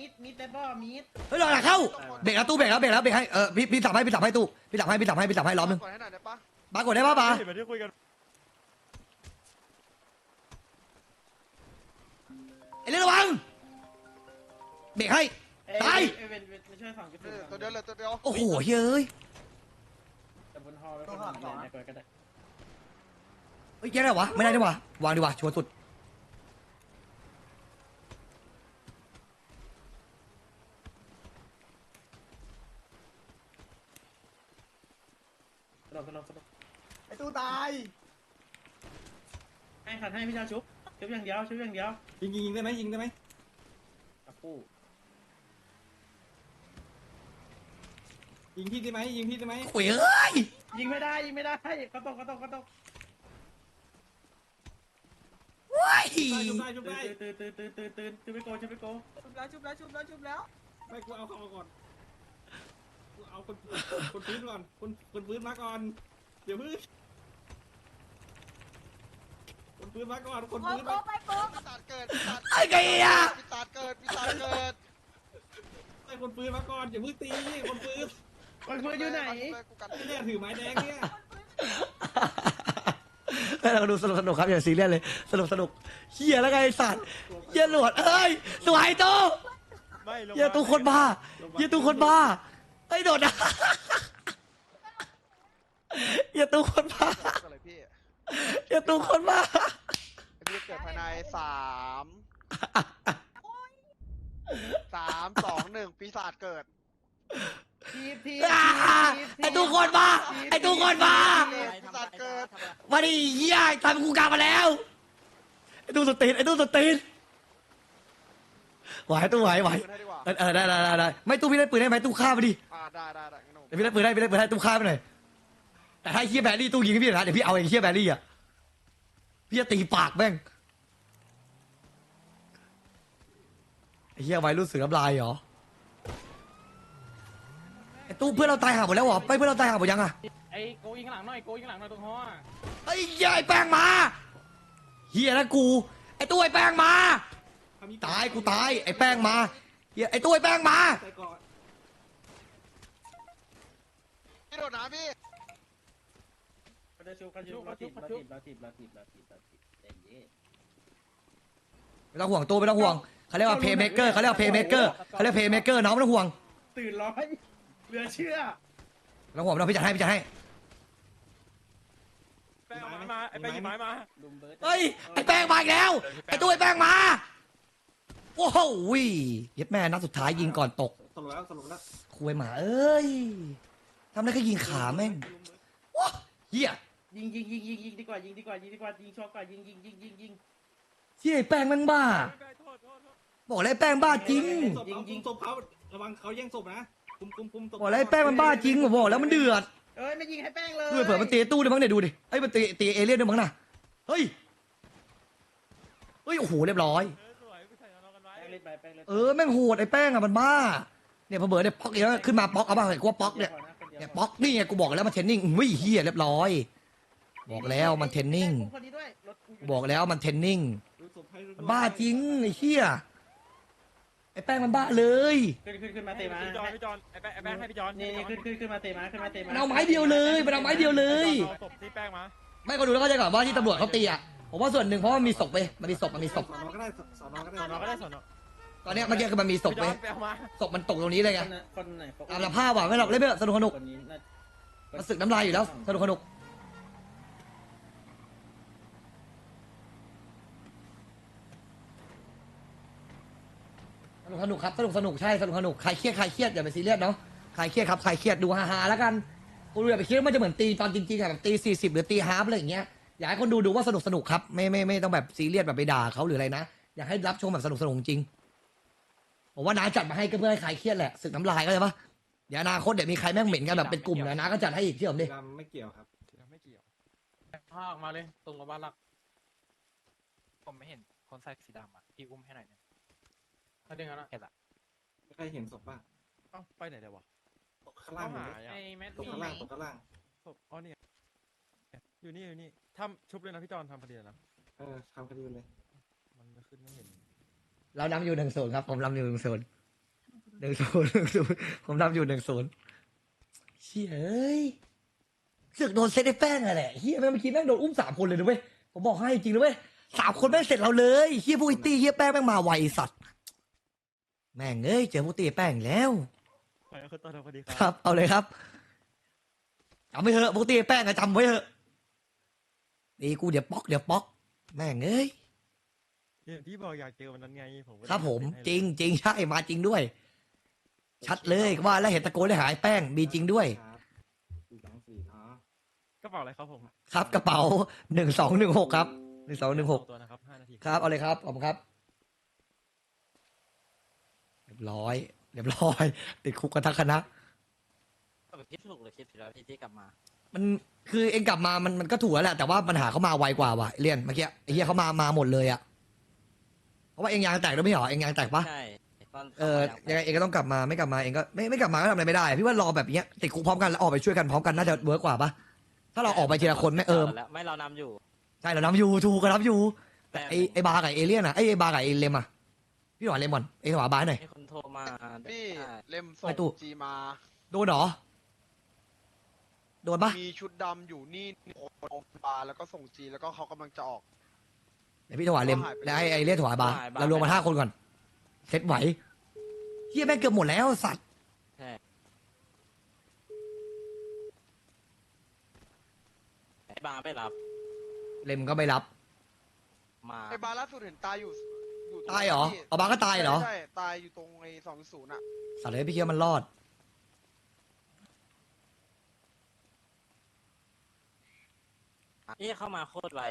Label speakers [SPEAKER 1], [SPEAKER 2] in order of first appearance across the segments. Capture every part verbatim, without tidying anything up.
[SPEAKER 1] มิดมิดแต่บ่มิด
[SPEAKER 2] เฮ้ยหลังเข้าเบรกแล้วตู้เบรกแล้วเบรกแล้วเบรกให้เออพี่พี่สับให้พี่สับให้ตู้พี่สับให้พี่สับให้พี่สับให้ล้อมนึง
[SPEAKER 3] กดให้หน่อยได้ปะ
[SPEAKER 2] บากดได้ป่ะบา
[SPEAKER 4] เห็นไหมที่คุยกัน
[SPEAKER 2] ไอ้เรื่องระวังเบรกให้ตาย
[SPEAKER 1] เอเวนไม่ช่วยฝั่งกระ
[SPEAKER 3] เอ
[SPEAKER 1] สุน
[SPEAKER 3] อตัวเดียวเลยตัวเดียว
[SPEAKER 2] โอ้โหเฮ้ย
[SPEAKER 1] แต่บนฮอแล้วก็ฝั่งไหนก็ได้
[SPEAKER 2] เฮ้ยแกได้วะไม่ได้ดีกว่าวางดีกว่าชัวร์สุด
[SPEAKER 1] สลบสลบสลบ
[SPEAKER 5] ไอ้ตู้ตาย
[SPEAKER 1] ให้ขัดให้พี่เจ้าชุบชุบอย่างเดียวชุบอย่างเดียว
[SPEAKER 5] ยิงยิงยิงได้ไหมยิงได้ไหม
[SPEAKER 1] กับกู้
[SPEAKER 5] ยิงพี่ได้ไหมยิงพี่ได้ไหม
[SPEAKER 2] โอ้ยเอ้ย
[SPEAKER 1] ยิงไม่ได้ยิงไม่ได้ก็ตกก็ตกก็ตก
[SPEAKER 2] ว้าย
[SPEAKER 5] ชุบได้ชุบได้
[SPEAKER 1] ตื่นตื่นตื่นตื่นตื่นตื่นไปโกชุบไปโก
[SPEAKER 6] ชุบแล้วชุบแล้วชุบแล้วชุบแล้ว
[SPEAKER 5] ไม่กูเอาเข้ามาก่อนกูเอาคนคนพื้นก่อนคนคนพื้นมาก่อนเดี๋ยวพื้นคนพื้นมาก่อนคน
[SPEAKER 6] โก
[SPEAKER 5] พื้น
[SPEAKER 6] โก
[SPEAKER 5] มา
[SPEAKER 6] ไปโก
[SPEAKER 3] ปีศาจเกิดปีศาจ
[SPEAKER 2] ไอ้ไก่อะ
[SPEAKER 3] ปีศาจเกิดปีศาจเกิด
[SPEAKER 5] ไอ้คนพื้นมาก่อนอย่าพื้นตีคนพื้น
[SPEAKER 1] คนเพื่อนอยู่ไหน
[SPEAKER 3] กูกัน
[SPEAKER 5] เนี่ยถือไม้แดงเนี่ย
[SPEAKER 2] ให้เราดูสนุกสนุกครับอย่าซีเรียสเลยสนุกสนุกเฮียแล้วไงไอ้สัตว์เฮียหลวดเอ้ยสวยตู้
[SPEAKER 4] ไม่ลง
[SPEAKER 2] เฮียตู้คนบ้าเฮียตู้คนบ้าไอ้ยโดดนะเฮียตู้คนบ้า
[SPEAKER 3] ก็เลยพี่
[SPEAKER 2] เฮียตู้คนบ้า
[SPEAKER 3] พี่เกิดภายในสามสามสองหนึ่งปีศาจเกิด
[SPEAKER 1] ทีบทีบ
[SPEAKER 2] อ่าไอ้ตู้คนบ้าไอ้ตู้คนบ้า
[SPEAKER 3] ปีศาจเกิด
[SPEAKER 2] มาดิเฮียทำกูกลับมาแล้วไอ้ตู้สตีนไอ้ตู้สตีนไหวตู้ไหวไหว
[SPEAKER 3] ปืนให้ดีกว่า
[SPEAKER 2] เออเออได้ได้ได้ได้ไม่ตู้พี่ได้ปืนได้ไหมตู้ฆ่าไปดิ
[SPEAKER 3] อ่าได้ได้ได้งั้นผม
[SPEAKER 2] เดี๋ยวพี่ได้ปืนได้พี่ได้ปืนได้ตู้ฆ่าไปหน่อยแต่ถ้าไอ้เฮียแบรี่ตู้ยิงให้พี่นะเดี๋ยวพี่เอาไอ้เฮียแบรี่อ่ะพี่จะตีปากแม่งไอ้เฮียไว้รุ่นเสือน้ำลายเหรอไอ้ตู้เพื่อนเราตายห่าหมดแล้วเหรอไปเพื่อนเราตายห่าหมดยังอ่ะ
[SPEAKER 1] ไอ้โกยิงข้างหลังหน่อยโกยิงข้างหลังหน่อยตรงฮอ
[SPEAKER 2] ไอ้เฮียไอ้แป้งมาเฮียนะกูไอ้ตู้ไอ้แป้งมาตายกูตายไอ้แป้งมาเฮียไอ้ตู้ไอ้แป้งมา
[SPEAKER 5] ใส่ก่อน
[SPEAKER 3] พี่โดดน้ำพี่
[SPEAKER 1] เขาจะชุบเขาชุบเราจีบเราจีบเราจีบเราจีบเราจีบเราจีบเย็นเย็น
[SPEAKER 2] ไม่ต้องห่วงตู้ไม่ต้องห่วงเขาเรียกว่าเพย์เมเกอร์เขาเรียกว่าเพย์เมเกอร์เขาเรียกเพย์เมเกอร์น้องไม่ต้องห่วง
[SPEAKER 1] ตื่นร้อยเหลือเชื่อ
[SPEAKER 2] ไม่ต้องห่วงไม่ต้องพี่จัดให้พี่จัดให้
[SPEAKER 4] แป้งเอาไม้มาไอ้แป้งหยิบไม้มา
[SPEAKER 1] ลุมเบิร์ด
[SPEAKER 2] เฮ้ยไอ้แป้งมาอีกแล้วไอ้ตู้ไอ้แป้งมาโอ้โหเย็ดแม่นัดสุดท้ายยิงก่อนตก
[SPEAKER 5] สรุปแล้วสรุปแล้ว
[SPEAKER 2] คุยหมาเอ้ยทำได้แค่ยิงขาแม่งว้าเฮีย
[SPEAKER 1] ยิงยิงยิงยิงยิงดีกว่ายิงดีกว่ายิงดีกว่ายิงชอบกว่ายิงยิงยิงยิงยิง
[SPEAKER 2] เฮียไอ้แป้งแม่งบ้า
[SPEAKER 4] โทษโทษโทษ
[SPEAKER 2] บอกเลยไอ้แป้งบ้าจริง
[SPEAKER 5] ศพเขาคุมศพเขาระวังเขาแย่งศพนะคุมคุมคุมศพ
[SPEAKER 2] บอกเลยไอ้แป้งมันบ้าจริงผมบอกแล้วมันเดือด
[SPEAKER 1] เอ้ยไม่ยิงให้แป้งเลย
[SPEAKER 2] ด้วยเผื่อมันตีตู้ด้วยมั้งเนี่ยดูดิไอ้ยมันตีตีเอเลี่ยนด้วยมั้งน่ะเฮ้ยเฮ้ยโอ้โหเรียบร้อย
[SPEAKER 4] เออสวยไปใส่กับเรากันไว้
[SPEAKER 1] แป้งเล่นไปแป้งเล่น
[SPEAKER 2] เออแม่งโหดไอ้แป้งอะมันบ้าเนี่ยพอเบิร์ดเนี่ยป๊อกอีกแล้วขึ้นมาป๊อกเอาบ้างเลยกูว่าป๊อกเนี่ยเนี่ยป๊อกนี่ไงกูบอกแล้วมันเทรนนิ่งอุ้ยเฮียเรียบร้อย บอกแล้วมันเทรนนิ่ง
[SPEAKER 1] คนนี้ด้วยรถกูอยู่
[SPEAKER 2] บอกแล้วมันเทรนนิ่ง
[SPEAKER 5] ดูศพให้ดู
[SPEAKER 2] มันบ้าจริงไอ้เฮียไอ้แป้งมันบ้าเลย
[SPEAKER 1] ขึ้นขึ้นขึ้นมาเตะมา
[SPEAKER 4] พี่จอนพี่จอนไอ้แป้งไอ้แป้งให้พี่จอน
[SPEAKER 1] นี่นี่ขึ้นขึ้นขึ้นมาเตะมาขึ้นมาเตะมา
[SPEAKER 2] มันเอาไม้เดียวเลยมันเอาไม้เดียวเลย
[SPEAKER 4] เอาศพที่แป้งมา
[SPEAKER 2] ไม่ก็ดูแล้วก็จะก่อนว่าที่ตำรวจเขาตีอ่ะผมว่าส่วนหนึ่งเพราะว่ามันมีศพไปมันมีศพมันมีศพ
[SPEAKER 5] สอนอก็ได้สอนอก็ได้
[SPEAKER 4] สอนอก็ได้สอนอ
[SPEAKER 2] ตอนเนี้ยเมื่อกี้คือมันมีศพ
[SPEAKER 4] พี่จ
[SPEAKER 2] ไป
[SPEAKER 4] อนไปเอามา
[SPEAKER 2] ศพมันตกตรงนี้เลยไง
[SPEAKER 1] คนคนไหน
[SPEAKER 2] ตามสภาพว่ะไม่หรอกเล่นไปเถอะสนุกสนุก
[SPEAKER 1] คนนี้น่า
[SPEAKER 2] มันสึกน้ำลายอยู่แล้วสนุกสนุกสนุกสนุกครับสนุกสนุกใช่สนุกสนุกใครเครียดใครเครียดอย่าไปซีเรียสเนาะใครเครียดครับใครเครียดดูฮาๆแล้วกันกูอย่าไปคิดว่ามันจะเหมือนตีตอนจริงๆอะแบบตีสี่สิบหรือตีฮาร์ฟอะไรอย่างเงี้ยอยากให้คนดูดูว่าสนุกสนุกครับไม่ไม่ไม่ต้องแบบซีเรียสแบบไปด่าเขาหรืออะไรนะอยากให้รับชมแบบสนุกสนุกจริงผมว่าน้าจัดมาให้ก็เพื่อให้ใครเครียดแหละสึกน้ำลายก็ใช่ปะเดี๋ยวอนาคตเดี๋ยวมีใครแม่งเหม็นกันแบบเป็นกลุ่มนะน้าก็จัดให้อีกเชื่อผมดิ
[SPEAKER 5] ดำไม่เกี่ยวครับ
[SPEAKER 4] ไม่เกี่ยว
[SPEAKER 1] พาออกมาเลยตรงกับบ้านหลัก
[SPEAKER 7] ผมไม่เห็นคนใส่สีดำอ่ะ พี่อุ้มให้หน่อยหนึง
[SPEAKER 1] เขาดึงกันละ
[SPEAKER 7] เห็นละ
[SPEAKER 5] ใครเห็นศพบ้าง
[SPEAKER 4] เอ้าไปไหนเดี๋ยววะ
[SPEAKER 5] ตกข้างล่างหมด
[SPEAKER 4] หา
[SPEAKER 5] เลย
[SPEAKER 4] อ่ะ
[SPEAKER 1] ไอ้แมท
[SPEAKER 5] ตกข้างล่างตกข้างล่าง
[SPEAKER 4] ศพอ๋อนี่อยู่นี่อยู่นี่ทำชุบเลยนะพี่จอนทำพอดีเลยนะ
[SPEAKER 5] เออทำคดีเลย
[SPEAKER 4] มันจะขึ้นไม่เห็น
[SPEAKER 2] เรานำอยู่หนึ่งศูนย์ครับผมนำอยู่หนึ่งศูนย์หนึ่งศูนย์หนึ่งศูนย์ผมนำอยู่หนึ่งศูนย์เชี่ยเอ้ยเสือกโดนเซตไอ้แป้งอะแหละเฮียแม่งเมื่อกี้แม่งโดนอุ้มสามคนเลยนะเว้ยผมบอกให้จริงนะเว้ยสามคนแม่งเสร็จเราเลยเฮียพวกไอ้ตี้เฮียแป้งแม่งมาไวสัตว์แม่งเอ้ยเจอพวกตี้ไอ้แป้งอีกแล้ว
[SPEAKER 4] ไปเอาขึ้นต้นพอดีค
[SPEAKER 2] ครับ รับเอาเลยครับจำไว้เถอะพวกตี้ไอ้แป้งอะจำไว้เถอะดีกูเดี๋ยวป๊อกเดี๋ยวป๊อกแม่งเอ้ย
[SPEAKER 4] อย่างที่บอกอยากเจอวันนั้นไงผมก็
[SPEAKER 2] ครับผม
[SPEAKER 4] เล่นให้
[SPEAKER 2] จริงจริงใช่มาจริงด้วย ชัดเลยว่าแล้วเห็นตะโกนเลยหายแป้งมีจริงด้วย
[SPEAKER 5] ครับสี่สองสี่เนาะ
[SPEAKER 4] กระเป๋าอะไรครับผม
[SPEAKER 2] ครับกระเป๋าหนึ่งสองหนึ่งหกครับหนึ่งสองหนึ่งหก
[SPEAKER 4] สตัวนะครับห้านาที
[SPEAKER 2] ครับเอาเลยครับขอบคุณครับเรียบร้อยเรียบร้อย ติดคุกกันทั้งคณะ
[SPEAKER 7] คิดถูกหรือคิดผิดแล้วพี่ที่กลับมา
[SPEAKER 2] มันคือเองกลับมามันมันก็ถูกแล้วแหละแต่ว่าปัญหาเขามาไวกว่าว่ะเรียนเมื่อกี้ไอ้เหี้ยเขามามาหมดเลยอะเพราะว่าเองยางแตกด้วยไม่เหรอเองยางแตกปะ
[SPEAKER 7] ใช่ตอน
[SPEAKER 2] เออยังไงเองก็ต้องกลับมาไม่กลับมาเองก็ไม่ไม่กลับมาก็ทำอะไรไม่ได้พี่ว่ารอแบบเนี้ยติดคุกพร้อมกันแล้วออกไปช่วยกันพร้อมกันน่าจะเวิร์กกว่าปะถ้าเราออกไปทีละคนไม่เออ
[SPEAKER 7] แล้วไม่เรานำอยู่
[SPEAKER 2] ใช่เรานับอยู่ถูกกันนับอยู่
[SPEAKER 7] แต่
[SPEAKER 2] ไอไอบาร์กับเอเลี่ยนอะไอไอบาร์กับเอเลมอะพี่หวานเลมอนไอหวานบาร์หน่อย
[SPEAKER 7] มีคนโทรมา
[SPEAKER 3] พี่
[SPEAKER 7] ใช่
[SPEAKER 3] เล่มส่
[SPEAKER 2] ไปตู้
[SPEAKER 3] งจีมา
[SPEAKER 2] โดนเหรอโดนปะ
[SPEAKER 3] มีชุดดำอยู่นี่โรงพยาบาลแล้วก็ส่งจีแล้วก็เขากำลังจะออก
[SPEAKER 2] เดี๋ยวพี่ถวายเลมแล้วไอไอเลี่ยนถวายบาร์เรารวมมาห้าคนก่อนเซตไหวเฮียแม่งเกือบหมดแล้วสัตว์
[SPEAKER 7] ใช่ไอ้บาร์ไม่รับ
[SPEAKER 2] เลมก็ไม่รับ
[SPEAKER 7] มา
[SPEAKER 3] ไอ้บาร์ล่าสุดเห็นตายอยู่อยู่ตรง
[SPEAKER 2] ตายเหรอ
[SPEAKER 3] ที่
[SPEAKER 2] เอาบาร์ก็ตายเหรอ
[SPEAKER 3] ใช่ใช่ตายอยู่ตรงไอ้สองศูนย์อ่ะ
[SPEAKER 2] สัตว์เลยพี่เคียวมันรอด
[SPEAKER 7] นี่เข้ามาโคตรไว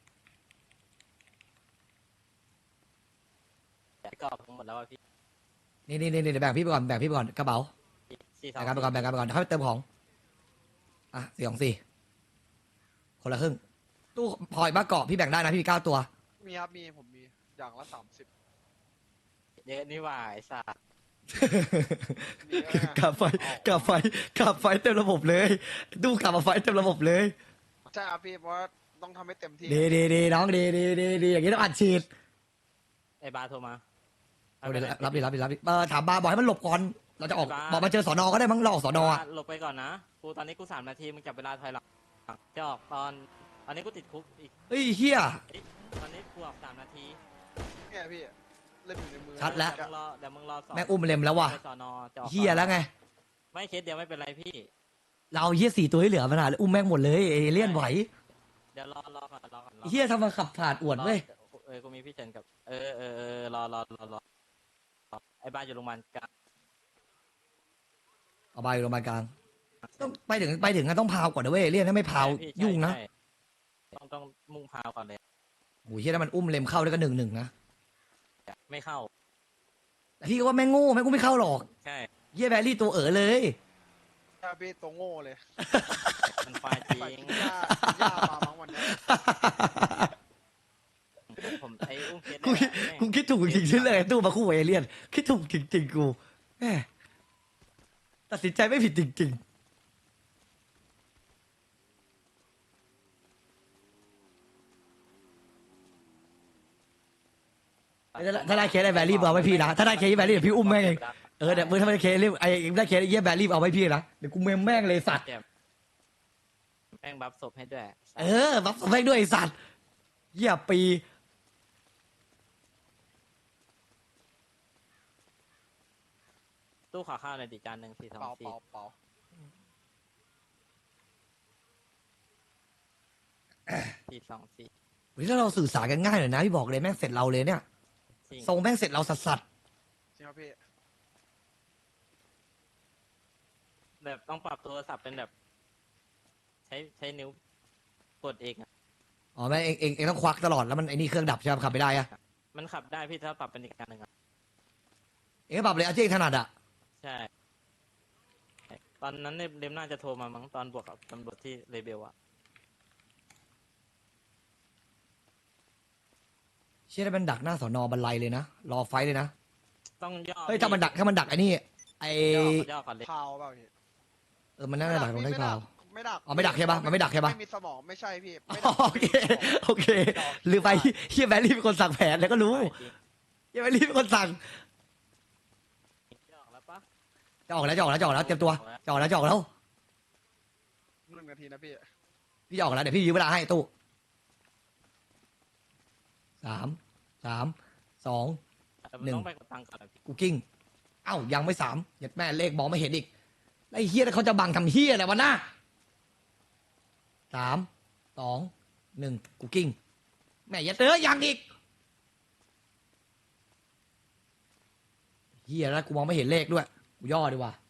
[SPEAKER 7] กรอบทั้งหมดแล้วอะพี่
[SPEAKER 2] นี่นี่นี่เดี๋ยวแบ่งพี่ไปก่อนแบ่งพี่ไปก่อนกระเป๋า
[SPEAKER 7] สี่สอง
[SPEAKER 2] แบ่งกันไปก่อนแบ่งกันไปก่อนเข้าไปเติมของอ่ะสี่สองสี่คนละครึ่งตู้พลอยบ้าเกาะพี่แบ่งได้นะพี่มีเก้าตัว
[SPEAKER 3] มีครับมีผมมีอย่างละสามสิบ
[SPEAKER 7] เยอะนี่หว่าไอ้สัส
[SPEAKER 3] มีแล้วไง
[SPEAKER 2] กลับไฟกลับไฟกลับไฟเต็มระบบเลยตู้กลับมาไฟเต็มระบบเลย
[SPEAKER 3] ใช่ครับพี่เพราะว่าต้องทำให้เต็มที่
[SPEAKER 2] ดีดีดีน้องดีดีดีดีอย่างนี้ต้องอัดฉีด
[SPEAKER 7] ไอ้บาร์โทรมา
[SPEAKER 2] เอาดิรับดิรับดิรับดิเออถามบาร์บอกให้มันหลบก่อนเราจะออก
[SPEAKER 7] ไอ้บาร์
[SPEAKER 2] บอกมาเจอสอนอก็ได้มั้งเราออกสอนอะ
[SPEAKER 7] หลบไปก่อนนะกูตอนนี้กูสามนาทีมึงจับเวลาถอยหลังจะออกตอนตอนนี้กูติดคุกอีก
[SPEAKER 2] เฮ้ยเฮีย
[SPEAKER 7] ตอนนี้กูออกสามนาที
[SPEAKER 3] เนี่ยพี่เล่มอยู่ในมือ
[SPEAKER 2] ชัดแล้ว
[SPEAKER 7] เดี๋ยวมึงรอเดี๋ยวมึงรอสอบ
[SPEAKER 2] แม่งอุ้มเล็มแล้วว่ะ
[SPEAKER 7] ไปสอนอจะออก
[SPEAKER 2] เฮียแล้วไง
[SPEAKER 7] ไม่เคสเดียวไม่เป็นไรพี่
[SPEAKER 2] เราเฮียสี่ตัวที่เหลือมันหาอุ้มแม่งหมดเลยเอเลี่ยนไหว
[SPEAKER 7] เดี๋ยวรอรอก่อนรอก่อนรอ
[SPEAKER 2] เฮียทำมาขับผ่านอวดเว้ย
[SPEAKER 7] รอเออกูมีพี่เจนกับ เออเออเออรอรอรอรอไอ้บ้านอยู่โรงพยาบาลกลาง
[SPEAKER 2] เอาไปโรงพยาบาลกลางต้องไปถึงไปถึงก็ต้องพาวก่อนนะเว้ยเลี่ยนถ้าไม่พาว
[SPEAKER 7] ใช่พี่
[SPEAKER 2] ยุ่งนะ
[SPEAKER 7] ใช่ใช่ต้องต้องมุ่งพาวก่อนเลย
[SPEAKER 2] โอ้ยเฮียถ้ามันอุ้มเล็มเข้าได้ก็หนึ่งหนึ่งนะ
[SPEAKER 7] ไม่เข้า
[SPEAKER 2] แต่พี่ก็ว่าแม่งโง่แม่งอุ้มไม่เข้าหรอก
[SPEAKER 7] ใช่
[SPEAKER 2] เฮียแบรี่ตัวเอ๋อเลย
[SPEAKER 3] ใช่พี่ตัวโง่เลย
[SPEAKER 7] มันควายจริ
[SPEAKER 3] ใส่
[SPEAKER 7] ง
[SPEAKER 3] กินหญ้ากินหญ้ามาบางวันเนี้ย
[SPEAKER 7] ผมไอ้อุ้มเคส
[SPEAKER 2] กูคิด
[SPEAKER 7] เนี่ย
[SPEAKER 2] กูคิดถูกจริงๆที่เลยตู้มาคู่กับเอเลี่ยนคิดถูกจริงๆกูแหมตัดสินใจไม่ผิดจริงๆถ้าได้เคสไอ้แบรี่เอาไว้พี่นะถ้าได้เคสไอ้แบรี่เดี๋ยวพี่อุ้มแม่งเองเออเดี๋ยวมึงถ้าไม่ได้เคสไอ้ได้เคสไอ้เยี่ยแบรี่เอาไว้พี่นะเดี๋ยวกูเมมแม่งเลยสัตว์
[SPEAKER 7] แม่งบัฟศพให้ด้วย
[SPEAKER 2] เออบัฟแม่งด้วยไอ้สัตว์เยี่ยปี
[SPEAKER 7] ตู้ขอข้าวในอยดิจานหนึ่งสี่สอง
[SPEAKER 3] เปล่า
[SPEAKER 7] สี่
[SPEAKER 3] เปล่าเปล่า
[SPEAKER 7] สี่สองสี่
[SPEAKER 2] เฮ้ยถ้าเราสื่อสารกันง่ายหน่อยนะพี่บอกเลยแม่งเสร็จเราเลยเนี่ย
[SPEAKER 7] จริง
[SPEAKER 2] ทรงแม่งเสร็จเราสัสสัส
[SPEAKER 3] จริงครับพี่
[SPEAKER 7] แบบต้องปรับโทรศัพท์เป็นแบบ ใช้ใช้นิ้วกดเองอะ
[SPEAKER 2] ๆอ๋อแม่งเองเองเองต้องควักตลอดแล้วมันไอ้นี่เครื่องดับใช่ไหมขับไม่ได้อะ
[SPEAKER 7] มันขับได้พี่ถ้าปรับเป็นอีกการหนึ่งอะ
[SPEAKER 2] เองก็ปรับเลยเอาที่เองถนัดอะ
[SPEAKER 7] ใช่ ตอนนั้นเนี่ยเดมน่าจะโทรมามั้งตอนบวกกับตำรวจที่เลเบลอะ
[SPEAKER 2] เชื่อได้มันดักหน้าสอนอบันไลเลยนะรอไฟท์เลยนะ
[SPEAKER 7] ต้องย่อ
[SPEAKER 2] เฮ้ยถ้ามันดักถ้ามันดักไอ้นี่ไอ้
[SPEAKER 7] ย่อย่อก่อนเลย
[SPEAKER 3] พาวเปล่าพี่
[SPEAKER 2] เออมันน่าจะดักตรงได้เปล่า
[SPEAKER 3] ไม่ดัก
[SPEAKER 2] อ๋อไม่ดักใช่ปะมันไม่ดักใช่ปะ
[SPEAKER 3] ไม่มีสมองไม่ใช่พี่
[SPEAKER 2] อ๋
[SPEAKER 3] ไม่
[SPEAKER 2] อ
[SPEAKER 3] ดัก
[SPEAKER 2] โอเคโอเคลืมไปเฮียแบรี่เป็นคนสั่งแผนแล้วก็รู้
[SPEAKER 7] จริง
[SPEAKER 2] เฮียแบรี่เป็นคนสั่ง
[SPEAKER 7] ย่อแล้ว
[SPEAKER 2] จะออกแล้วจะออกแล้วจะออกแล้วเตรียมตัวจะออกแล้วจะออกแล้ว
[SPEAKER 3] หนึ่งนาทีนะพี่
[SPEAKER 2] พี่จะออกแล้วเดี๋ยวพี่ยืมเวลาให้ตู้สามสามสอง
[SPEAKER 7] แต่มัน
[SPEAKER 2] หนึ่ง
[SPEAKER 7] ต้องไปกดตังค์ก่อนอะพี่
[SPEAKER 2] กูกิ้งเอ้ายังไม่สามเยัดแม่เลขมองไม่เห็นอีกไอ้เฮียเขาจะบังทำเฮียอะไรวะน้าสามสองหนึ่งกูกิ้งแม่ยัดเอ้ยยังอีกเฮียแล้วกูมองไม่เห็นเลขด้วยกูย่อดีกว่า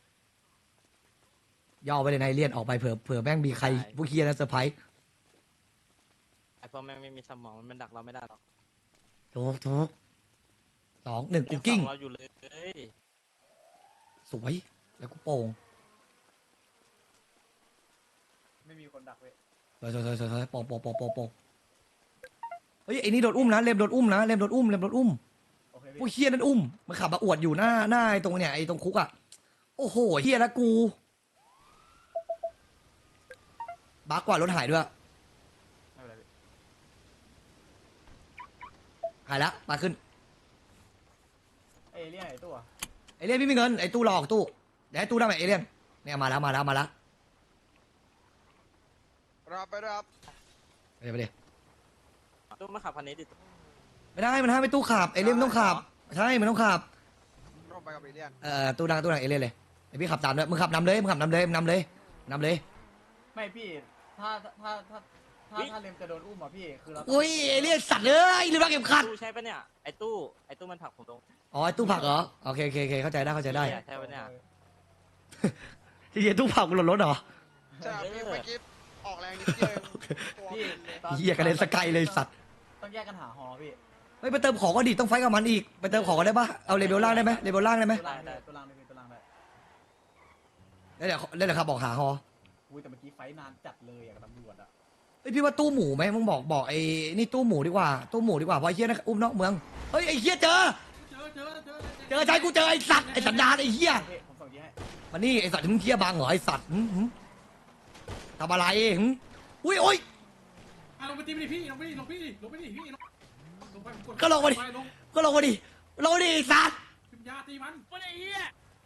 [SPEAKER 2] ย่อไปเลยนายเลียนออกไปเผื่อเผื่อแม่งมีใครผู้เฮียนะเซอร์ไพรส์
[SPEAKER 7] ไอ้พวกแม่งไม่มีสมองมันดักเราไม่ได้หรอก
[SPEAKER 2] ถูกถูกสองหนึ่งกู
[SPEAKER 7] ยัง
[SPEAKER 2] กิ้ง
[SPEAKER 7] ส่เราอยู่เลย
[SPEAKER 2] สวยแล้วกูโป่ง
[SPEAKER 6] ไม่มีคนดักเว้ย
[SPEAKER 2] สวยสวยสวยสวยสวยโป่งโป่งโป่งโป่งโป่งเฮ้ยไอ้นี่โดนอุ้มนะเลมโดนอุ้มนะเลมโดนอุ้มเลมโดนอุ้ม
[SPEAKER 6] โอเค
[SPEAKER 2] ผู้
[SPEAKER 6] พี่
[SPEAKER 2] เฮียนั่นอุ้มมันขับมาอวดอยู่หน้าหน้าไอ้ตรงเนี่ยไอ้ตรงคุกอ่ะโอ้โหเฮียแล้วกูบักกว่ารถหายด้วย
[SPEAKER 6] ไม่เป็นไรพี่
[SPEAKER 2] หายละมาขึ้น
[SPEAKER 6] เอเลี่ยนไอ้ตัว
[SPEAKER 2] ไอเลี่ยนไม่มีเงินไอ้ตู้รอออกตู้เดี๋ยวให้ตู้ได้ไหมไอเลี่ยนเนี่ยมาแล้วมาแล้วมาแล้ว
[SPEAKER 3] รับไปรับ
[SPEAKER 2] ไปเดี๋ยวไปเดี๋ยว
[SPEAKER 7] ตู้มาขับคันนี้ดิ
[SPEAKER 2] ไม่ได้มันห้ามไอ้ตู้ขับไอเลี่ยนมันต้องขับใช่มันต้องขับ
[SPEAKER 3] ลงไปกับเอเลียน
[SPEAKER 2] เอ่อตู้ดังตู้ดังไอเลี่ยนเลยไอพี่ขับตามด้วยมึงขับนำเลยมึงขับนำเลยมึงนำเลยนำเลย
[SPEAKER 6] ไม่พี่ถ้าถ้าถ้าถ้าถ้าเลมจะโดนอุ้มอ่ะพี่คือเรา
[SPEAKER 2] อุ้ยไอเลี่ยนสัตว์เอ้ยลืมรักเข็มขัด
[SPEAKER 7] ตู้ใช่ปะเนี่ยไอ้ตู้ไอ้ตู้มันผลักผมลง
[SPEAKER 2] อ๋อไอตู้ผักเหรอโอเคโอเคโอเคเข้าใจได้เข้าใจได้
[SPEAKER 7] ใช่ปะเนี่ย
[SPEAKER 2] ที่เฮียตู้ผักมันหล่นรถเหรอ
[SPEAKER 3] ใช่ครับพี่เมื่อกี้ออกแรงนิดเดียวเองตัว
[SPEAKER 6] พี่
[SPEAKER 3] บินเลย
[SPEAKER 6] ตอน
[SPEAKER 2] เฮียกระเด็นสกายเลยสัตว์
[SPEAKER 6] ต้องแยกกันหาฮอพี่
[SPEAKER 2] เฮ้ยไปเติมของก็ดีต้องไฟกับมันอีกไปเติมของก็ได้ปะเอาเลเวลล่างได้ไหมเลเวลล่างได้ไหม
[SPEAKER 6] ตัวล่างได้ตัวล่างได้พี่ตัวล่างได้
[SPEAKER 2] แล้วเดี๋ยวแล้วเดี๋ยวขับบอกหาฮอ
[SPEAKER 6] อุ้ยแต่เมื่อกี้ไฟนานจัดเลยอะกับตำรวจอะ
[SPEAKER 2] เฮ้ยพี่ว่าตู้หมูไหมมึงบอกบอกไอ้นี่ตู้หมูดีกว่าตู้หมูดีกว่าเพราะไอ้เฮียนะอุ้มนอกเมืองเฮ้ยไอ้เฮียเจอ
[SPEAKER 5] เจอเจอเจอ
[SPEAKER 2] เจอใจกูเจอไอ้สัตว์ไอ้สันดานไอ้เฮีย
[SPEAKER 6] พี่ผมส่งยีให้
[SPEAKER 2] มานี่ไอ้สัตว์มึงเฮียบังเหรอไอ้สัตว์หึหึทำอะไรหึอุ้ยโอ้ย
[SPEAKER 5] อ่ะลงไปตีไปดิพี่ลงไปดิลงไปดิลงไปดิพี่ลงลงไปกด
[SPEAKER 2] ก็ลงมาดิ
[SPEAKER 5] ไปลง
[SPEAKER 2] ก็ลงมาดิลงมาดิไอ้สัตว์
[SPEAKER 5] พิมยาตีมัน
[SPEAKER 7] ไอ้เหี้ย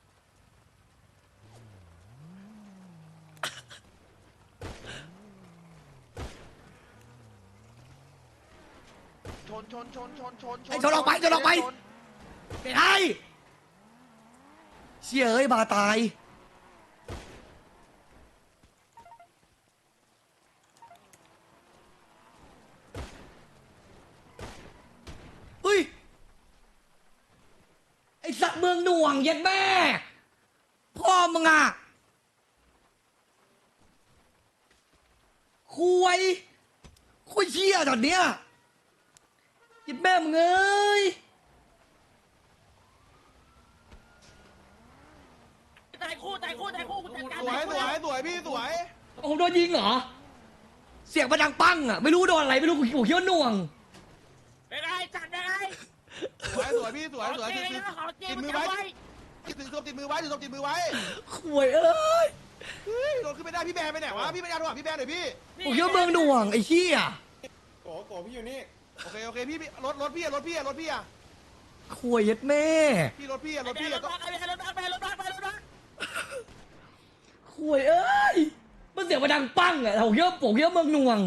[SPEAKER 3] ชนชนชนชนชน
[SPEAKER 2] ไอ้ชนออกไปชนออกไปไม่ได้เชี่ยเอ้ยบาตายเฮ้ยไอ้สัตว์เมืองหน่วงเย็ดแม่พ่อมึงอ่ะคุยคุยเชี่ยตอนเนี้ยเย็ดแม่มึงเอ้ย
[SPEAKER 7] ตายคู่ตายคู่ตายคู่กูจัดการ
[SPEAKER 3] สวยสวยสวยพี่สวย
[SPEAKER 2] ผมโดนยิงเหรอ เสียงมันดังปังอ่ะ ไม่รู้โดนอะไร ไม่รู้กูกูคิดว่าหน่วง
[SPEAKER 7] เป็นไงจัดยังไง
[SPEAKER 3] สวยสวยพี่สวยสวย
[SPEAKER 7] ขอ
[SPEAKER 3] ติด
[SPEAKER 7] เจ๊
[SPEAKER 3] ติด
[SPEAKER 7] นะขอเจ๊
[SPEAKER 3] ติด
[SPEAKER 7] มึ
[SPEAKER 3] มื
[SPEAKER 7] ง
[SPEAKER 3] อ
[SPEAKER 7] จะ
[SPEAKER 3] ไว้
[SPEAKER 7] ไว้
[SPEAKER 3] ติดศพติดมือไว้ติดศพติดมือไว้
[SPEAKER 2] ข่วยเอ้ย
[SPEAKER 3] เฮ้ยโดนขึ้นไม่ได้พี่แบนไปไหนวะพี่ไม่ได้โทรหาพี่แบนหน่อยพี่
[SPEAKER 2] ผมคิดว่าเมืองหน่วงไอ้เชี่ย
[SPEAKER 5] โกโกพี่อยู่นี่
[SPEAKER 3] โอเคโอเคพี่พี่รถรถพี่อะรถพี่อะรถพี่อะ
[SPEAKER 2] ข่วยเย็ดแม่
[SPEAKER 3] พี่รถพี่อะรถ
[SPEAKER 7] ไอ้
[SPEAKER 3] พี่
[SPEAKER 7] แบ
[SPEAKER 3] อะ
[SPEAKER 7] น
[SPEAKER 3] ต้อง
[SPEAKER 7] รถบักไอ้แบนรถบักไปรถบักไปรถบัก
[SPEAKER 2] ข่วยเอ้ย มันเสียงมันดังปังอ่ะผมคิดว่าผมคิดว่าเมืองหน่วง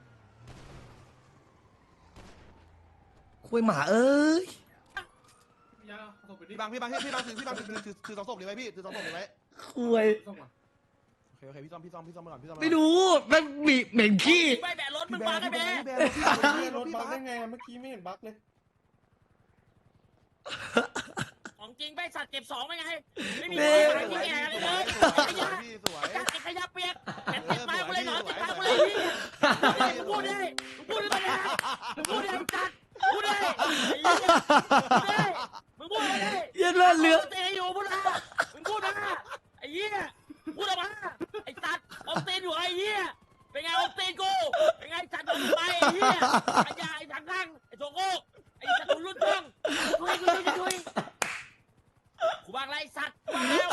[SPEAKER 2] ข่วยหมาเอ้ย
[SPEAKER 5] พิมยาส่งไปดิ
[SPEAKER 3] พี่บังพี่บังพี่บังถือพี่บังถือถือถือสองศพเลยไว้พี่ถือสองศพเลยไว้
[SPEAKER 2] ข่วย
[SPEAKER 5] ส่งมา
[SPEAKER 3] โอเคโอเคพี่ซ่อมพี่ซ่อมพี่ซ่อมมาก่อนพี่ซ่อมมา
[SPEAKER 2] ไม่รู้มันมีเหม็นขี้
[SPEAKER 7] ไม่แบนรถมึงบักไอ้แบน
[SPEAKER 3] พี่แบนพี่แบน
[SPEAKER 5] ร
[SPEAKER 3] ร
[SPEAKER 5] ถ
[SPEAKER 3] ถ
[SPEAKER 5] บั
[SPEAKER 3] บั
[SPEAKER 5] ก
[SPEAKER 3] ก
[SPEAKER 5] ได้ไงเมื่อกี้ไม่เห็นบักเลย
[SPEAKER 7] ของจริงไปสัตว์เก็บสองไปไงไม่มี
[SPEAKER 2] เน่
[SPEAKER 7] ใครที่แก่เลยเลยไอ้ยา
[SPEAKER 3] พี่สวย
[SPEAKER 7] จัดไอ้ขยะเปียกแบนติดตายกูเลยหนอนติดตายกูเลยพี่มึงพูดดิมึงพูดดิมึงพูดดิมึงจัดพูดดิมึงพูดดิ
[SPEAKER 2] เย็ดเลือดเลือด
[SPEAKER 7] เตะอยู่พูดมามึงพูดมาไอ้เหี้ยพูดออกมาไอ้สัตว์อมเตนอยู่ไอ้เหี้ยเป็นไงอมเตนกูเป็นไงจัดมึงไปไอ้เหี้ยไอ้ยาไอ้ถังข้างไอ้โถโก้ไอ้สัตว์รุ่นต้องช่วยช่วยช่วยกูบางไรสัตว์กูบางแล้ว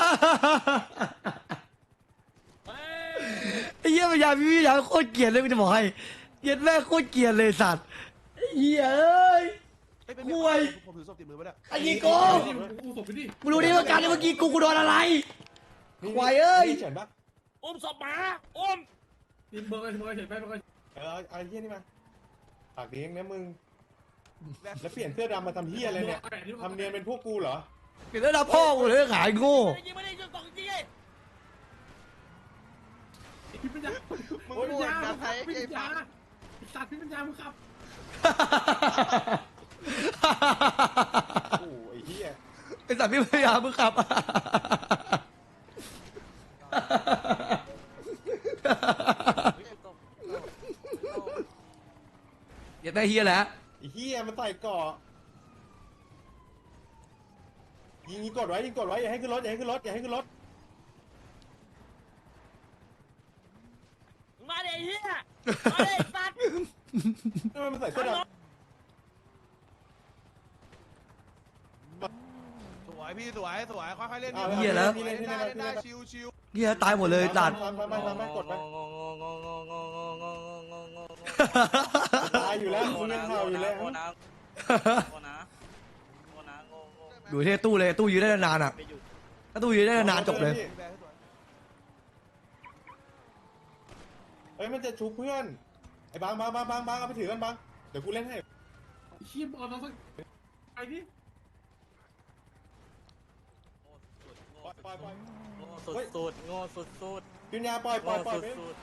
[SPEAKER 7] เฮ้ย
[SPEAKER 2] ไอ้เหี้ยพยายามพี่พยายามโคตรเกลียดเลยไม่จะบอกให้เกลียดแม่โคตรเกลียดเลยสัตว์ไอ้เหี้ยเอ้ยห่วย
[SPEAKER 3] ผมถือศพติดมือไว้เนี่ย
[SPEAKER 2] ไอ้ยีโก้
[SPEAKER 5] นี่มึงกูศพไปดิ
[SPEAKER 2] มึงรู้ดิว่าการที่เมื่อกี้กูกูโดนอะไรควายเอ้ย
[SPEAKER 8] เฉินปะ
[SPEAKER 7] อุ้มศพหมาอุ้ม
[SPEAKER 5] นี่เบอร์เบอร์เห็นไหมเบอร์
[SPEAKER 8] เออเอาไอ้เหี้ยนี่มาปากดีเองนะมึงแล้วเปลี่ยนเสื้อดำมาทำเหี้ยอะไรเนี่ยทำเนียนเป็นพวกกูเหรอ
[SPEAKER 2] เกิดแล้วพ่อกูเลยขายโง่
[SPEAKER 7] ยิงไม่ได้ยิงสองยิง
[SPEAKER 5] พี่ปัญญา
[SPEAKER 3] มึง
[SPEAKER 5] พี่
[SPEAKER 3] พู
[SPEAKER 5] ปั
[SPEAKER 3] ด
[SPEAKER 5] ญญา
[SPEAKER 3] นะไทย
[SPEAKER 5] พี่
[SPEAKER 3] ไอ้
[SPEAKER 5] ปัญญา
[SPEAKER 3] ฟัง
[SPEAKER 5] ไอ้สัตว์พี่ปัญญามึงขับ
[SPEAKER 8] โอ้ไอ้เหี้ย
[SPEAKER 2] ไอ้สัตว์พี่พยายามมึงขับอย่าได้เฮียแหละ
[SPEAKER 8] ไอ้เหี้ยมันใส่เกาะยิงยิงกดไว้ยิงกดไว้อย่าให้ขึ้นรถอย่าให้ขึ้นรถอย่าให้ขึ้นรถ
[SPEAKER 7] มาเดี๋ยวเฮียมาเดี๋ยวสัตว์
[SPEAKER 8] ทำไมมันใส่เสื้อดำ
[SPEAKER 3] สวยพี่สวยสวยค่อยๆเล่น
[SPEAKER 8] อา
[SPEAKER 2] เหี้ยแล้ว
[SPEAKER 8] พี่
[SPEAKER 3] เล่
[SPEAKER 8] เล่
[SPEAKER 3] น
[SPEAKER 8] น
[SPEAKER 3] ได้
[SPEAKER 8] พี่
[SPEAKER 3] เล่
[SPEAKER 8] เล่
[SPEAKER 3] น
[SPEAKER 8] น
[SPEAKER 3] ได้
[SPEAKER 8] พี่
[SPEAKER 3] ชิ
[SPEAKER 8] เล่น
[SPEAKER 3] วชิว
[SPEAKER 2] เฮียตายหมดเลยตัด
[SPEAKER 8] ทำทำทำทำทำกดไปตายอยู่แล้วมึงยังเห่าอยู่เลย
[SPEAKER 2] ดูที่ตู้เลยตู้ยืนได้นานอ่ะถ้าตู้ยืนได้นานจบเลย
[SPEAKER 8] เฮ้ยมันจะชุบเพื่อนไอ้บางบางบางบางบางเอาไปถือกันบางเดี๋ยวกูเล่นให้
[SPEAKER 5] เชี่ยบอลน้องสักไอ้นี่
[SPEAKER 8] ปล่อยปล่อยปล่อย
[SPEAKER 7] สุดสุดโง่สุดสุด
[SPEAKER 8] กินยาปล่อยปล่อยปล่อยไป
[SPEAKER 7] สุด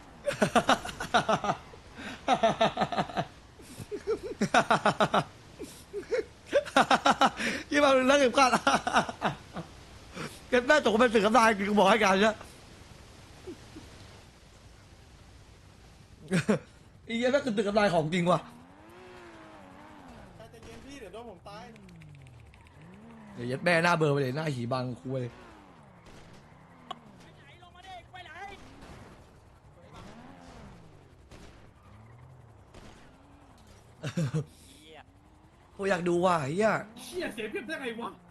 [SPEAKER 2] ยี่มาเลิกเก็บกันเก็บแม่ตกเป็นสึกกำลังกูบอกให้กันใช่อีเยี่ยแม่คือตึกกำลังของจริงว่ะ
[SPEAKER 8] ใจเย็นพี่เดี๋ยวโดนผมตาย
[SPEAKER 2] เดี๋ยวยัดแม่หน้าเบอร์ไปเลยหน้าหีบังคุย
[SPEAKER 7] ไหนลงมาดิไปไหน
[SPEAKER 2] กูอยากดูว่ะเฮีย
[SPEAKER 5] เชี่ยเสียเพียบได้ไงวะ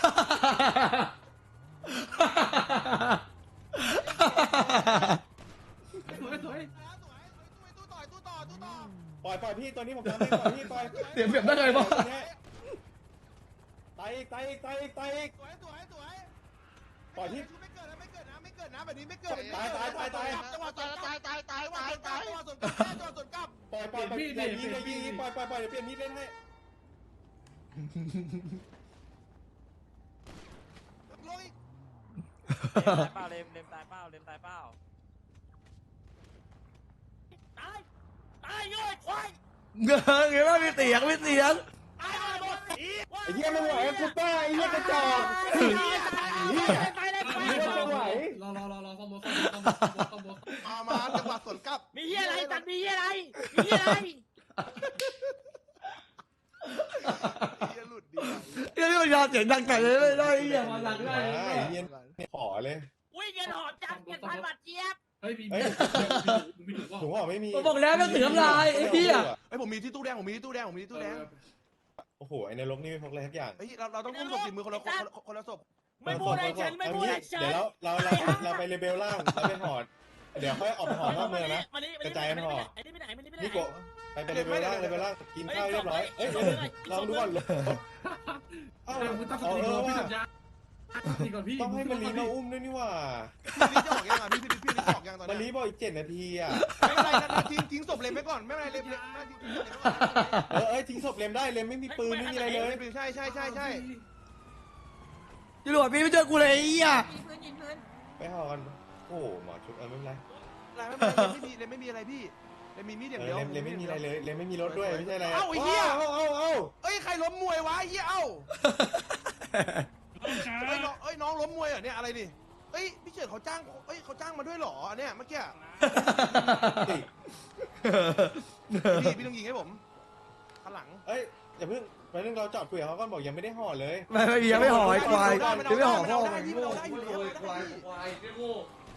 [SPEAKER 5] สวยสวย
[SPEAKER 3] ตู้ต่อยตู้ต่อตู้ต่อ
[SPEAKER 8] ปล่อยปล่อยพี่ตัวนี้ผมทำให้ปล่อยพี่ปล่อย
[SPEAKER 2] เสียเปรียบได้ไงวะ
[SPEAKER 8] ตายอีกตายอีกตายอีกตายอีก
[SPEAKER 3] สวยสวยสวย
[SPEAKER 8] ปล่อยพี่
[SPEAKER 3] ไม่เกิดนะไม่เกิดนะไม่เกิดนะแบบนี้ไม่เกิด
[SPEAKER 8] ตายตายตายตาย
[SPEAKER 3] จังหวะตายตายตายตายตายตายจังหวะสวนกลับจังหวะสวนกลับ
[SPEAKER 8] ปล่อยปล่อยปล่อยอย่ายิงอย่ายิงปล่อยปล่อยปล่อยเดี๋ยวเปลี่ยนมีดเล่นให้
[SPEAKER 3] ลงอีก
[SPEAKER 7] เปล่าเลมเลมตายเปล่าเลมตายเปล่าตายตายเงยควาย
[SPEAKER 2] เงยเงยว่ามีเสียงมีเสียง
[SPEAKER 7] ตายหมด
[SPEAKER 8] ไอ้เหี้ยไม่ไหวกูต้าไอ้เหี้ยกระจอก
[SPEAKER 7] ตายเลย
[SPEAKER 8] ไอ้เหี้ยไม่ไหว
[SPEAKER 5] รอรอรอรอข้อมูลข้อมูลข้อมูลข้อมูล
[SPEAKER 3] มามาจังหวะสวนกลับ
[SPEAKER 7] มีเฮียอะไรตัดมีเฮียอะไรมีเฮียอะไร
[SPEAKER 3] เฮียหลุดดี
[SPEAKER 2] เฮียนี่มันยาเสียงดังไก่เลยไม่ได้เฮียมาหลังได้
[SPEAKER 8] ไอ้เหี้ยขอเลย
[SPEAKER 7] วิ่งเงินหอบจับเงินพันบาทเจี๊ยบ
[SPEAKER 5] เฮ้ยมีมีมีถึงว่า
[SPEAKER 8] ถุงห่อไม่มี
[SPEAKER 2] ผมบอกแล้วมันเสียงลายไอ้เฮีย
[SPEAKER 3] ไอ้ผมมีที่ตู้แดงผมมีที่ตู้แดงผมมีที่ตู้แดง
[SPEAKER 8] โอ้โหไอ้นรกนี่ไม่พกอะไรทักอย่าง
[SPEAKER 3] เฮ้ยเราเราต้องอุ้มศพติดมือคนละคนคนละศพ
[SPEAKER 7] ไม่พูดให้ฉันไม่พูดให้ฉัน
[SPEAKER 8] เดี๋ยวเราเราเราไปเลเบลล่างเราไปหอดเดี๋ยวค่อยออกไปหอดนอกเมืองนะ กระจายกันหอ
[SPEAKER 7] ไอ้นี่ไปไหนมันนี่ไปไหน
[SPEAKER 8] นี่โกไปไปเลเบลล่างเลเบลล่างกินข้าวเรียบร้อยเอ้ยลองดูก่อนเอ้า
[SPEAKER 5] มึงตั้งส
[SPEAKER 8] เอา
[SPEAKER 5] ติ
[SPEAKER 8] เอ
[SPEAKER 5] ก่อ
[SPEAKER 8] อน
[SPEAKER 5] พี่
[SPEAKER 8] ว่า
[SPEAKER 5] สัญญาสติก่อนพี่
[SPEAKER 8] ต้องให้มารีมาอุ้มด้วยนี่ว่า
[SPEAKER 3] พี่นี่จะออกยังอ่ะพี่พี่พี่นี่จะออกยังตอน
[SPEAKER 8] มารี
[SPEAKER 3] นี้
[SPEAKER 8] บอกอีกเจ็ดนาทีอ่ะ
[SPEAKER 3] ไม่เป็นไรนะทิ้งทิ้งศพเลยไปก่อนไม่เป็นไรเลยเลยทิ้งศพเลยไปก่อน
[SPEAKER 8] เออเอ้ยทิ้งศพเลมได้เลมไม่มีปืนไม่มีอะไรเลย
[SPEAKER 3] ใช่ใช่ใช่ใช่
[SPEAKER 2] ตำรวจพี่ไม่เจอกูเลยไอ้เฮีย
[SPEAKER 8] ไปหอกันโอ้หมอชุบเออไม่เป็นไร
[SPEAKER 3] ไม่เป็นไรไม่มีเลยไม่มีอะไรพี่เลยมีมีดอย่าง
[SPEAKER 8] เอ
[SPEAKER 3] เดียว
[SPEAKER 8] อเลมเลมไม่มีอะไรเลยเลมไม่มีรถด้วยไม่ใช่อะไร
[SPEAKER 3] เอ้าไอ้เหี้ย
[SPEAKER 8] เอ้าเอ้าเอ้า
[SPEAKER 3] เอ้ยใครล้มมวยวะไอ้เหี้ยเอ้าเอ้ยน้องเอ้ยน้องล้มมวยเหรอเนี่ยอะไรดิเอ้ยพี่เฉิดเขาจ้างเอ้ยเขาจ้างมาด้วยเหรอเนี่ยเมื่อกี้
[SPEAKER 8] ติ
[SPEAKER 3] พี่พี่ต้องยิงให้ผมข้างหลัง
[SPEAKER 8] เอ้ยอย่าเพิ่งไปเรื่องเราจอดคุยกับเขาก่อนบอกยังไม่ได้ห่อเลย
[SPEAKER 2] ไม่ไม่ยังไม่ห่อไอ้ควายยังไม่ห่อพ่อ
[SPEAKER 3] ได้พี่เราได้อยู่แล้ว
[SPEAKER 2] ควายควายไอ้โง่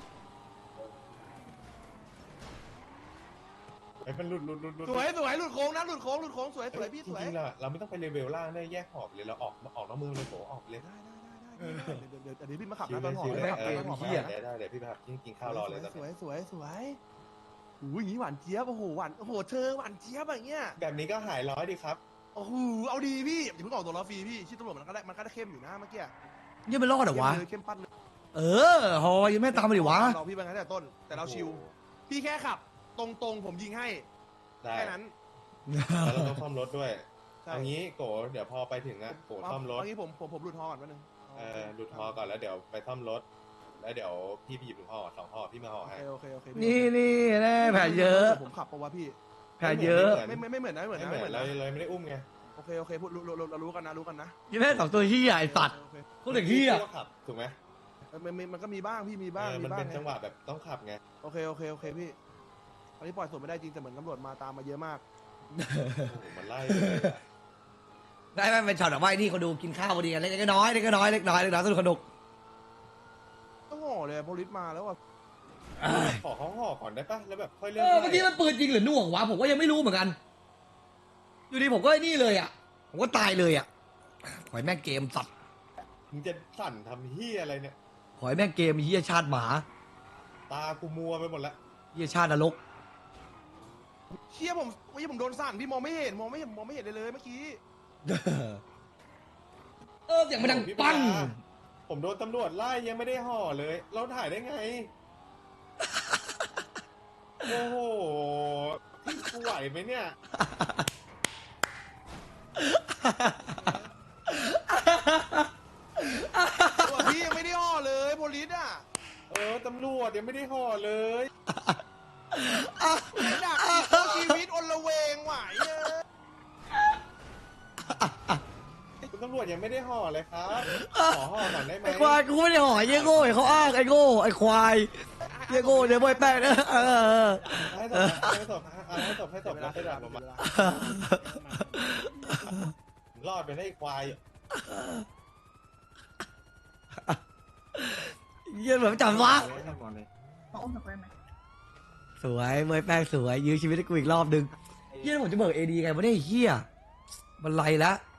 [SPEAKER 8] ไอ้มันหลุดหลุดหลุดหลุด
[SPEAKER 3] สวยสวยหลุดโค้งนะหลุดโค้งหลุดโค้งสวยสวยพี่
[SPEAKER 8] จ
[SPEAKER 3] สวย
[SPEAKER 8] ริงๆล่ะเราไม่ต้องไปเลเวลล่างได้แยกหอบเลยเราออกออกนอกมือเลยโผออกเลย
[SPEAKER 3] ได้ได้ได้เดี๋ยวเดี๋ยวเดี๋ยวพี่มาขับ
[SPEAKER 8] ชิ
[SPEAKER 3] นะ
[SPEAKER 8] ว
[SPEAKER 3] ต
[SPEAKER 8] เล
[SPEAKER 3] อน
[SPEAKER 8] ย
[SPEAKER 3] หอ
[SPEAKER 8] ชิว
[SPEAKER 3] เล
[SPEAKER 8] เลย ย
[SPEAKER 3] ขับ
[SPEAKER 8] เอ
[SPEAKER 3] ตอนหอ
[SPEAKER 8] อได้ได้เดี๋ยวพี่ไปขับกินข้าวรอเลยตอน
[SPEAKER 3] สวย
[SPEAKER 8] นี้
[SPEAKER 3] สวยสวยโอ้ยอย่างนี้หวานเจี๊ยบโอ้โหหวานโอ้โหเธอหวานเจี๊ยบอย่างเงี้ย
[SPEAKER 8] แบบนี้ก็หายร้อยดีครับ
[SPEAKER 3] โอ้โหเอาดีพี่อย่าเพิ่งออกตัวล้อฟรีพี่ชิดตำรวจมันก็ได้มันก็ได้เข้มอยู่นะเมื่อกี้
[SPEAKER 2] ยังไม่รอดเหรอวะ
[SPEAKER 3] เข้มเลยเข้มปั้นเลย
[SPEAKER 2] เออฮอยังไม่ตามมาดิวะ
[SPEAKER 3] เราพี่ไปงั้นแต่ต้นแต่เราชิวพี่แค่ขับ ตรงๆผมยิงให้
[SPEAKER 8] ได้
[SPEAKER 3] แค่นั้น
[SPEAKER 8] แล้วเราต้องซ่อมรถด้วย
[SPEAKER 3] ใช่
[SPEAKER 8] เอางี้โกเดี๋ยวพอไปถึงอะโกซ่อมรถ
[SPEAKER 3] เอางี้ผมผมผมหลุดฮอก่อนแป๊บนึง
[SPEAKER 8] เออดูดฮอก่อนแล้วเดี๋ยวไปซ่อมรถ แล้วเดี๋ยวพี่ไปหยิบถุงห่อสองห่อพี่มาห่อ
[SPEAKER 3] โอ
[SPEAKER 8] ให้
[SPEAKER 3] เคโอเคโอเคพี่
[SPEAKER 2] นี่นี่แน่แผลเยอะ
[SPEAKER 3] ผมขับปะวะพี่
[SPEAKER 2] แผลเยอะ
[SPEAKER 3] ไม่ไม่ไม่เหมือนนะไม่เหมือน
[SPEAKER 8] ไม่
[SPEAKER 3] นะ
[SPEAKER 8] เหมื
[SPEAKER 3] ไม่
[SPEAKER 8] อน
[SPEAKER 3] เหมือน
[SPEAKER 8] เรา
[SPEAKER 3] นะ
[SPEAKER 8] เลยไม่ได้อุ้มไง
[SPEAKER 3] โอเคโอเคพูดรู้รู้รู้เรารู้กันนะรู้กันนะ
[SPEAKER 2] ยี่แม่สองตัวที่ใหญ่สัตว์
[SPEAKER 3] โอเค
[SPEAKER 2] พูดถึงที่อ่ะ
[SPEAKER 8] ก็ขับถูกไหม
[SPEAKER 3] เออมันมันมันก็มีบ้างพี่มีบ้าง
[SPEAKER 8] เออ
[SPEAKER 3] มี
[SPEAKER 8] มัน
[SPEAKER 3] บ้าง
[SPEAKER 8] เป็น
[SPEAKER 3] ไง
[SPEAKER 8] จังหวะแบบต้องขับไง
[SPEAKER 3] โอเคโอเคโอเคพี่อันนี้ปล่อยสดไม่ได้จริงแต่เหมือนตำรวจมาตามมาเยอะมาก
[SPEAKER 8] โอ้โหมันไล่เลยอะ
[SPEAKER 2] ได้ไหมเป็นช็อตแบบว่าไอ้นี่เขาดูกินข้าวพอดีกันเล็กๆน้อยๆเล็กๆน้อยๆเล็กน้อยเล็กน้อยสนุกสนุก
[SPEAKER 3] ต้องห่อเลยโพลิสมาแล้วอ่ะ
[SPEAKER 8] ขอเขาห่อก่อนได้ปะแล้วแบบค่อย
[SPEAKER 2] เอ
[SPEAKER 8] เลื่อน
[SPEAKER 2] อเมื่อกี้มันปืนจริงหรือหน่วงวะผมก็ยังไม่รู้เหมือนกัน อยู่ดีผมก็ไอ้นี่เลยอ่ะ ผมก็ตายเลยอ่ะขอให้แม่งเกมสัตว์
[SPEAKER 8] มึงจะสั่นทำเฮียอะไรเนี่ย
[SPEAKER 2] ขอให้แม่งเกมเฮียชาติหมา
[SPEAKER 8] ตากูมัวไปหมดละ
[SPEAKER 2] เฮียชาตินรก
[SPEAKER 3] เชี่ยผมเมื่อกี้ผมโดนสั่นพี่มองไม่เห็นมองไม่เห็นมองไม่เห็นเลยเลยเมื่อกี้
[SPEAKER 2] เออเสียงมันดังปัง
[SPEAKER 8] ผมโดนตำรวจไล่ยังไม่ได้ห่อเลย เราถ่ายได้ไง โอ้โหพี่กูไหวไหมเนี่ย
[SPEAKER 3] ตัวพี่ยังไม่ได้ห่อเลยโพลิสอ่ะ
[SPEAKER 8] เออตำรวจยังไม่ได้ห่อเลย
[SPEAKER 3] ดักอีกเอาชีวิตอนละเวงไหวเอ้ย
[SPEAKER 8] คุณตำรวจยังไม่ได้ห่อเลยครับ ขอห่อก่อนได้ไหม
[SPEAKER 2] ไอ้ควายกูไม่ได้ห่อไอ้เหี้ยโง่ไอ้เขาอ้างไอ้โง่ไอ้ควายเหี้ยโง่เดี๋ยวบอยแป้งนะเออ
[SPEAKER 8] ให้ศพให้ศพให้ศพให้ศพแล้วให้ดับมารอดไปได้ควาย
[SPEAKER 2] เหี้ยแบบจำวะ
[SPEAKER 9] ขออุ้มหนูไปไหม
[SPEAKER 2] สวยบอยแป้งสวยยื้อชีวิตให้กูอีกรอบนึงเหี้ยแล้วผมจะเบิกเอดีไงวะเนี่ยไอ้เหี้ยมันไรละ